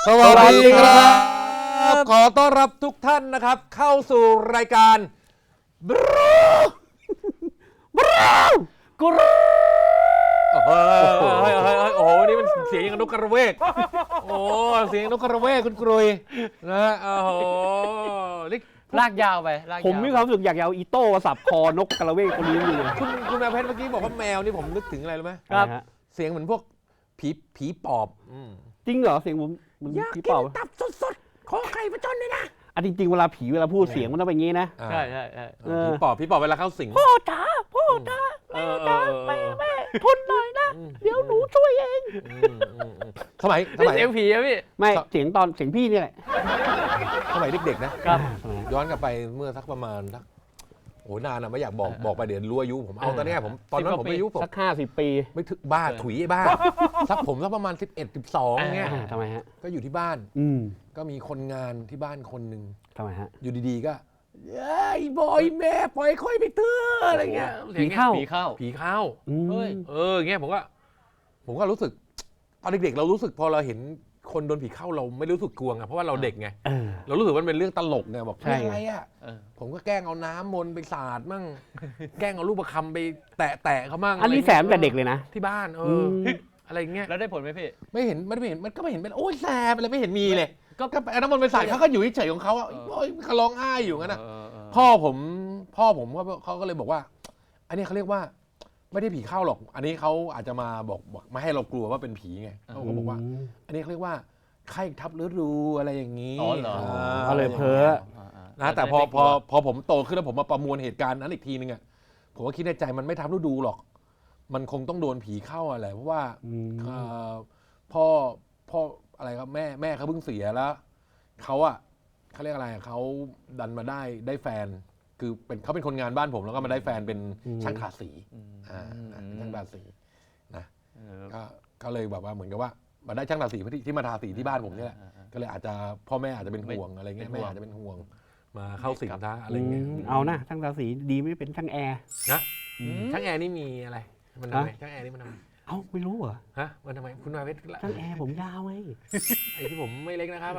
สวัสดีครับขอต้อนรับทุกท่านนะครับเข้าสู่รายการบรูบรูกรูโอ้โหวันนี้มันเสียงอย่างนกกระเวกโอ้เสียงนกกระเวกคุณกรุยนะโอ้โหลากยาวไปผมมีความรู้สึกอยากเอาอีโต้สับคอนกกระเวกคนนี้อยู่คุณแมวเพชรเมื่อกี้บอกว่าแมวนี่ผมนึกถึงอะไรรู้ไหมครับเสียงเหมือนพวกผีปอบจริงเหรอเสียงผมผีปอบตับสดๆขอไข่ประจนเลยนะจริงๆเวลาผีเวลาพูดเสียงมันต้องเป็นอย่างนี้นะใช่ผีปอบเวลาเข้าสิงพ่อจ๋าแม่ทนหน่อยนะเดี๋ยวหนูช่วยเองสมัยเสียงผีอะพี่ไม่เสียงพี่นี่แหละสมัยเด็กๆนะครับย้อนกลับไปเมื่อสักประมาณโอ้นานอะไม่อยากบอกไปเดี๋ยวรู้อายุผมเอาตอนนี้ตอนนั้นผมอายุผมสัก50 ปีไม่ถึงบ้าถุยบ้าสักประมาณ11-12เงี้ยทำไมฮะก็อยู่ที่บ้านก็มีคนงานที่บ้านคนหนึ่งทำไมฮะอยู่ดีๆก็ไอ้บอยแม่ปล่อยค่อยไปเถอะอะไรเงี้ยผีเข้าเฮ้ยเงี้ยผมก็รู้สึกตอนเด็กๆเรารู้สึกพอเราเห็นคนโดนผีเข้าเราไม่รู้สึกกลัวไงเพราะว่าเราเด็กไงเรารู้สึกว่ามันเป็นเรื่องตลกไงบอกอะไรอ่ะผมก็แกล้งเอาน้ำมนต์ไปสาดมั่งแกล้งเอาลูกประคำไปแตะเขามั่งอันนี้แสบแต่เด็กเลยนะที่บ้านอะไรเงี้ยแล้วได้ผลไหมพี่ไม่เห็นมันก็ไม่เห็นเป็นโอ้ยแสบอะไรไม่เห็นมีเลยก็เอาน้ำมนต์ไปสาดเขาก็อยู่เฉยๆของเขาเขาร้องไห้อยู่งั้นนะพ่อผมเขาก็เลยบอกว่าอันนี้เขาเรียกว่าไม่ได้ผีเข้าหรอกอันนี้เขาอาจจะมาบอกไม่ให้เรากลัวว่าเป็นผีไงเขาก็บอกว่าอันนี้เขาเรียกว่าไข้ทับฤดูอะไรอย่างนี้เขาเลยเพ้อนะแต่พอผมโตขึ้นแล้วผมมาประมวลเหตุการณ์นั้นอีกทีนึงอ่ะผมก็คิดในใจมันไม่ทับฤดูหรอกมันคงต้องโดนผีเข้าอะไรเพราะว่าพ่ออะไรครับแม่เขาเพิ่งเสียแล้วเขาเรียกอะไรเขาดันมาได้แฟนคือเขาเป็นคนงานบ้านผมแล้วก็มาได้แฟนเป็นช่างทาสีช่างทาสีนะก็เลยแบบว่าเหมือนกับว่ามาได้ช่างทาสีที่มาทาสีที่บ้านผมนี่แหละก็เลยอาจจะพ่อแม่อาจจะเป็นห่วงอะไรเงี้ยแม่อาจจะเป็นห่วงมาเข้าสิงท้าอะไรเงี้ยเอานะช่างทาสีดีไม่เป็นช่างแอร์นะช่างแอร์นี่มีอะไรมันทำไมช่างแอร์นี่มันทำไมไม่รู้เหรอฮะมันทำไมคุณนายเพชรช่างแอร์ผมยาวไงไอ้ที่ผมไม่เล็กนะครับ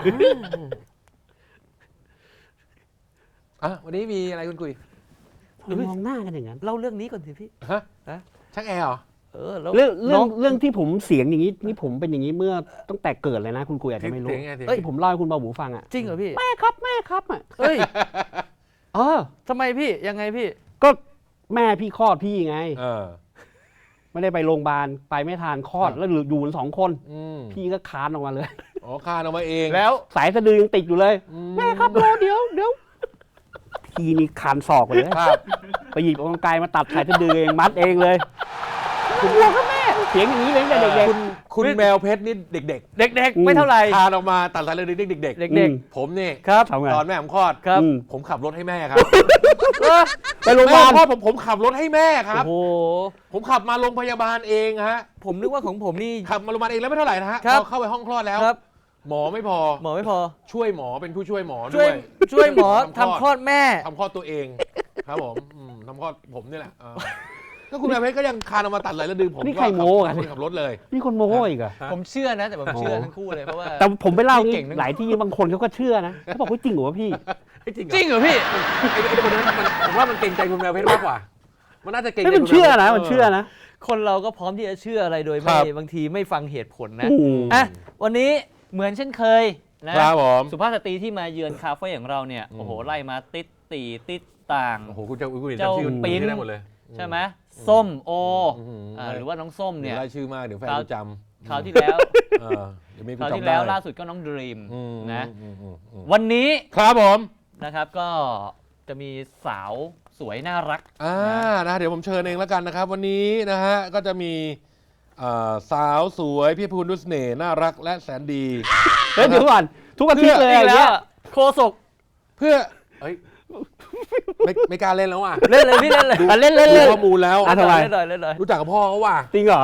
วันนี้มีอะไรคุณคุยมองหน้ากันอย่างนั้นเล่าเรื่องนี้ก่อนสิพี่ฮะช่างแอร์เหรอเรื่องที่ผมเสียงอย่างนี้นี่ผมเป็นอย่างนี้เมื่อตั้งแต่เกิดเลยนะคุณคุยอาจจะไม่รู้ผมเล่าให้คุณเบาหมูฟังอ่ะจริงเหรอพี่แม่ครับอ่ะเฮ้ยทำไมพี่ยังไงพี่ก็แม่พี่คลอดพี่ไงไม่ได้ไปโรงพยาบาลไปไม่ทานคลอดแล้วอยู่กัน2 คนพี่ก็คานออกมาเลยคานออกมาเองแล้วสายสะดือยังติดอยู่เลยแม่ครับรอเดี๋ยวพี่นี่คานศอกเลยไปหยิบกรรไกรมาตัดสายสะดือเองมัดเองเลยคุณกลัวครับแม่เสียงอย่างนี้เลยเด็กๆคุณแมวเพชรนี่เด็กไม่เท่าไหร่คานออกมาตัดสายสะดือเด็กผมนี่ตอนแม่ผมคลอดผมขับรถให้แม่ครับไปโรงพยาบาลผมขับรถให้แม่ครับโอ้ผมขับมาโรงพยาบาลเองฮะผมนึกว่าของผมนี่ขับมาโรงพยาบาลเองแล้วไม่เท่าไหร่นะฮะพอเข้าไปห้องคลอดแล้วหมอไม่พอช่วยหมอเป็นผู้ช่วยหมอด้วยช่วยหมอทำคลอดแม่ทำคลอดตัวเองครับผมทำคลอดผมนี่แหละก็คุณแม่เพชรก็ยังคานออกมาตัดไหลแล้วดึงผมนี่ใครโม้กันขับรถเลยนี่คนโม้อีกอะผมเชื่อนะแต่ผมเชื่อทั้งคู่เลยเพราะว่าแต่ผมไปเล่าหลายที่บางคนเขาก็เชื่อนะเขาบอกว่าจริงเหรอพี่จริงเหรอพี่ไอ้คนนั้นผมว่ามันเก่งใจคุณแมวเพชรมากกว่ามันน่าจะเก่งใจมันเชื่อนะคนเราก็พร้อมที่จะเชื่ออะไรโดยไม่บางทีไม่ฟังเหตุผลนะวันนี้เหมือนเช่นเคยนะครับผมสุภาพสตรีที่มาเยือนคาเฟ่ของเราเนี่ยโอ้โหไล่มาติดต่างโอ้โหคุณเจ้าปิ้นได้หมดเลยใช่ไหมส้มโอหรือว่าน้องส้มเนี่ยไล่ชื่อมากเดี๋ยวแฟนจำคราวที่แล้วล่าสุดก็น้องดรีมนะวันนี้ครับผมนะครับก็จะมีสาวสวยน่ารักนะเดี๋ยวผมเชิญเองแล้วกันนะครับวันนี้นะฮะก็จะมีสาวสวยพี่พูนดุสเน่น่ารักและแสนดีเดี๋ยวก่อนทุกอาทิตย์เลยแล้วโคศกเพื่อไม่กล้าเล่นแล้วว่ะเล่นเลยพี่เล่นเลยเล่นข้อมูลแล้วทำไมรู้จักกับพ่อเขาว่ะจริงเหรอ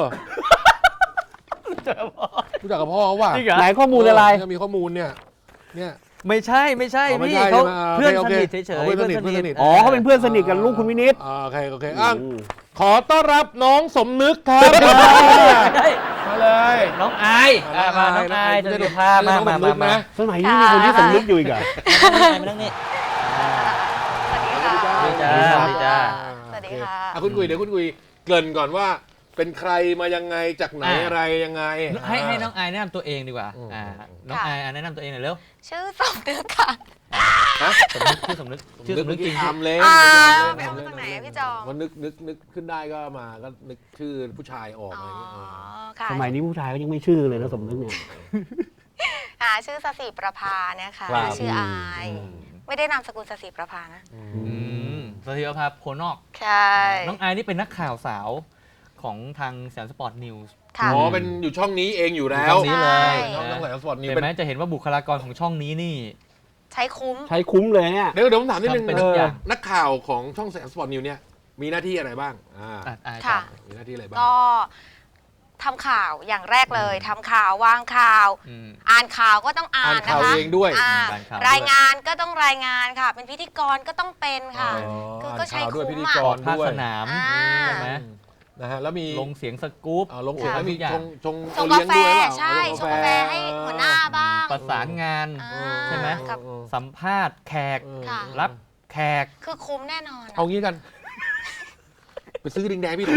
รู้จักกับพ่อเขาว่ะไหนข้อมูลอะไรมีข้อมูลเนี่ยไม่ใช่พี่เขาเพื่อนสนิทเฉยๆเพื่อนสนิทเขาเป็นเพื่อนสนิทกันลูกคุณวินิตโอเคขอต้อนรับน้องสมนึกครับมาเลเลยน้องอายมาน้องอายจะเดี๋ยวพามาน้องสำนึกนะสมัยนี้มีคนที่สำนึกอยู่อีกเหรอมานั่งนี่สวัสดีค่ะสวัสดีจ้าสวัสดีจ้าสวัสดีค่ะคุณกุยเดี๋ยวคุณกุยเกริ่นก่อนว่าเป็นใครมายังไงจากไหนอะไรยังไงให้น้องอายแนะนำตัวเองดีกว่าน้องอายแนะนำตัวเองหน่อยเร็วชื่อสมนึกค่ะสมนึกชื่อสมนึกจริงทำเล่นไปเอามาจากไหนอะพี่จอมมันนึกขึ้นได้ก็มาก็นึกชื่อผู้ชายออกอ๋อะอไรอย่างเงี้ยค่ะสมัยนี้ผู้ชายก็ยังไม่ชื่อเลยนะสมนึกเนี่ยชื่อสศิประภานะคะครับชื่ออาย ไม่ได้นามสกุลสศิประภานะสวัสดีครับโคนอกใช่น้องอายนี่เป็นนักข่าวสาวของทางแสนสปอร์ตนิวส์ค่ะอ๋อเป็นอยู่ช่องนี้เองอยู่แล้วช่องนี้เลยช่องไหนสปอร์ตนิวเห็นเป็นไหมจะเห็นว่าบุคลากรของช่องนี้นี่ใช้คุ้มใช้คุ้มเลยเนี่ยเดี๋ยวผมถามนิดนึงทำเป็นทุกอย่างนักข่าวของช่องแสนสปอร์ตนิวเนี่ยมีหน้าที่อะไรบ้างอายค่ะมีหน้าที่อะไรบ้างก็ทำข่าวอย่างแรกเลยทำข่าววางข่าว อ่านข่าวก็ต้องอ่าอ่านนข่าวนะคะเองด้วยรายงานก็ต้องรายงานค่ะ เป็นพิธีกรก็ต้องเป็นค่ะ คือก็ใช้ข่าวด้วยคุ้พิมธีอะกรภาคด้วยสนามอ่าใช่ไหมนะฮะแล้วมีลงเสียงสกู๊ปลงเสียงแล้วมีทุกอย่างชงชงโอเลี้กาย แฟด้วยเปล่าใช่ชงกาแฟให้หัวหน้าบ้างประสานงานอ่าใช่ไหมครับสัมภาษณ์แขกค่ะรับแขกคือคุ้มแน่นอนเอางี้กัน ไปซื้อดิงแดงพี่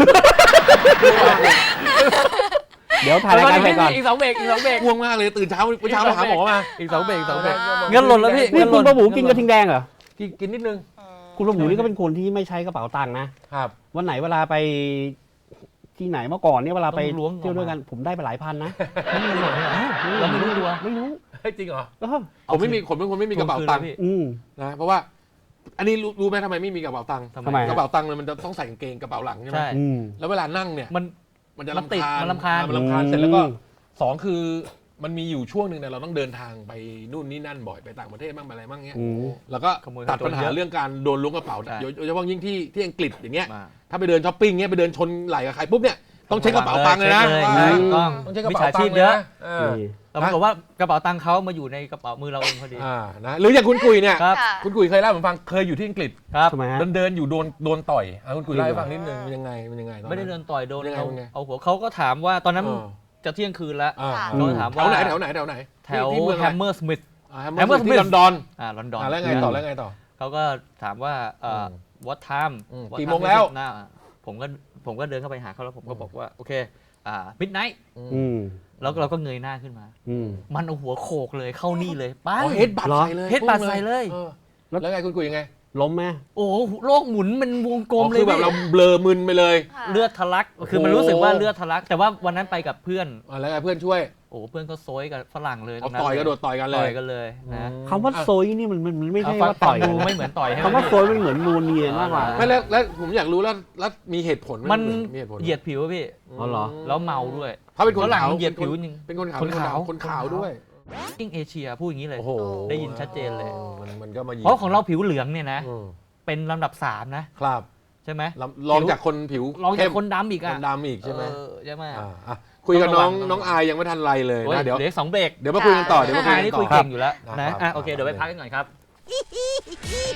เดี๋ยวถ่ายรายการไปก่อนอีก2 เบรกง่วงมากเลยตื่นเช้าเมื่อเช้ามาหาหมอมาอีก2 เบรกอ่าเงินหล่นแล้วพี่นี่คุณประหมูกินกระทิงแดงเหรอกินนิดนึงคุณประหมูนี่ก็เป็นคนที่ไม่ใช้กระเป๋าตังค์นะครับวันไหนเวลาไปที่ไหนเมื่อก่อนเนี่ยเวลาไปต้องล้วงออกมาเที่ยวด้วยกันผมได้ไปหลายพันนะเงินหล่นเนี่ยเราไม่รู้ตัวไม่รู้เฮ้ยจริงเหรอเออผมเป็นคนไม่มีกระเป๋าตังค์อืมนะเพราะว่า อันนี้รู้ไหมทำไมไม่มีกระเป๋าตังค์ทำทำไมไมกระเป๋าตังค์เนี่ยมันจะต้องใส่กางเกงกระเป๋าหลังใช่ไหมใช่อืมแล้วเวลานั่งเนี่ยมันจะมันติดรำคาญมันรำคาญเสร็จแล้วก็สองคือมันมีอยู่ช่วงหนึ่งเนี่ยเราต้องเดินทางไปนู่นนี่นั่นบ่อยไปต่างประเทศบ้างไปอะไรบ้างเงี้ยอืมแล้วก็ขโมยตัดปัญหาเยอะเรื่องการโดนล้วงกระเป๋าใช่โดยเฉพาะยิ่งที่อังกฤษอย่างเงี้ยมาถ้าไปเดินช้อปปิ้งเงี้ยไปเดินชนไหล่กับใครปุ๊บเนี่ยต้องเช็คกระเป๋าตังค์เลยนะใช่ถูกต้องต้องเช็คกระมิจเป๋าฉาตัชีงพค์เยเยอะอะนี่แต่ปรากฏว่ากระเป๋าตังค์เขามาอยู่ในกระเป๋ามือเราเองพอดีนะหรืออย่างคุณกุยเนี่ยครับค่ะคุณกุยเคยเล่าให้ผมฟังเคยอยู่ที่อังกฤษครับทำไมฮะเดินอยู่โดนต่อยคุณกุยเล่าให้ฟังนิดนึงมันยังไงตอไม่ได้เดินต่อยโดนยังไงเอายังไงเอาหัวเขาก็ถามว่าตอนนั้นเออจะเที่ยงคืนแล้วอ่าค่ะเขาถามแถว่าวไหนแถวไหนแถวที่เมืองแฮอะไรมเมอร์สมิธแฮมเมอร์สมิธที่ลอนดอนลอนดอนแล้วไงต่อแล้วไงต่อเขาก็ถามว่าwhat time อืม What กี่ time โมงแล้ว is it now ผมก็เดินเข้าไปหาเขาแล้วผมก็บอกว่าโอเคmidnight อืมแล้วเราก็เงยหน้าขึ้นมาอืมมันเอาหัวโขกเลยเข้านี่เลยป้าอ๋อเฮดบัตเหรอใส่เลยเฮดบัตใส่เลยออแล้วไงคุณกุยยังไงล้มไหมโอ้โหโลกหมุนเป็นวงกลมอ๋อเลคืยอแบบพี่เราเบลอมึนไปเลยค่ะเลือดทะลักคือมันรู้สึกว่าเลือดทะลัก แต่ว่าวันนั้นไปกับเพื่อนแล้วไงเพื่อนช่วยโอ้โหเพื่อนก็โซยกับฝรั่งเลยเอาตรงนั้นต่อยกระโดดต่อยกันเลต่อย ยกันเลยนะคำว่าโซยนี่มันไม่ใช่ฟังว่าต่อยดูไม่เหมือนต่อยใช่ไหมคำว่าโซยมันเหมือนนูนเนียนมากกว่าไม่แล้วผมอยากรู้แล้วมีเหตุผลไหมันมีเหตุผลเหยียดผิวอะพี่อ๋อเหรอแล้วเมาด้วยเขาเป็นคนฝรั่งขาวเหยียดผิวจริงเป็นคนขาวคนขาวคนขาวด้วยยิ่งเอเชียพูดอย่างนี้เลยโอ้โหได้ยินชัดเจนเลยมันก็มายิงเพราะของเราผิวเหลืองเนี่ยนะอืมเป็นลำดับ 3 นะครับใช่ไหมลองจากคนผิวลองเข้จากมคนดำอีกคอ่ะนดำอีกใช่ไหมใช่ไหมอ่ะคุยกับต้องระวังน้องอายยังไม่ทันไรเลยโอ้ยนะเดี๋ยวเหลือ2 เบรกเดี๋ยวมาคุยกันต่อเดี๋ยวมาคุยอายกันนี่ต่คุยอเก่งอยู่แล้วครับนะครับ โอเคเดี๋ยวไปพักกันก่อนครับ